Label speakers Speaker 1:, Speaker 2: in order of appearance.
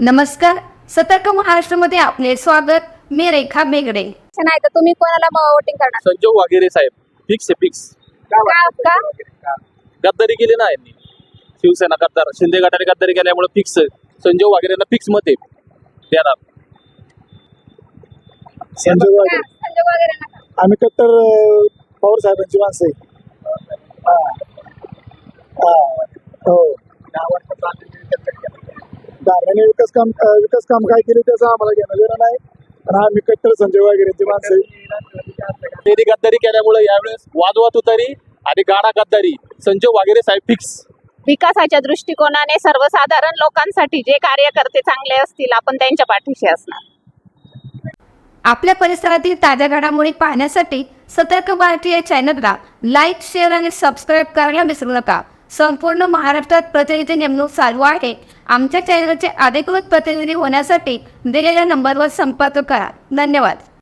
Speaker 1: नमस्कार. सतर्क महाराष्ट्रामध्ये आपले स्वागत. मी रेखा बेगडे.
Speaker 2: नाही तर तुम्ही कोणाला वोटिंग करणार?
Speaker 3: संजोग वगैरे साहेब फिक्स आहे फिक्स.
Speaker 2: का?
Speaker 3: गद्दारी केली ना यांनी, शिवसेना गद्दार, शिंदे गटाने गद्दारी केल्यामुळे फिक्स संजोग वगैरेंना फिक्स मत आहे देणार.
Speaker 4: संजोग वगैरे
Speaker 2: संजोग वगैरे नका.
Speaker 4: आम्ही कट्टर पवार साहेबांची माणसं आहे. हो दारव्याने विकास काम काय केले त्याचं आम्हाला घेणं देणं नाही, पण आम्ही कट्टर संजय वगैरेंची माणसं आहे.
Speaker 3: त्यांनी गद्दारी केल्यामुळे यावेळेस वादवाद उतारी आणि गाडा गद्दारी संजोग वगैरे साहेब फिक्स.
Speaker 2: विकासाच्या दृष्टिकोनाने सर्वसाधारण लोकांसाठी जे कार्यकर्ते चांगले असतील आपण त्यांच्या पाठीशी असणार.
Speaker 1: आपल्या परिसरातील ताज्या घडामोडी पाहण्यासाठी सतर्क भारती या चॅनलला लाईक, शेअर आणि सबस्क्राईब करायला विसरू नका. संपूर्ण महाराष्ट्रात प्रतिनिधी नेमणूक चालू आहे. आमच्या चॅनलचे अधिकृत प्रतिनिधी होण्यासाठी दिलेल्या नंबरवर संपर्क करा. धन्यवाद.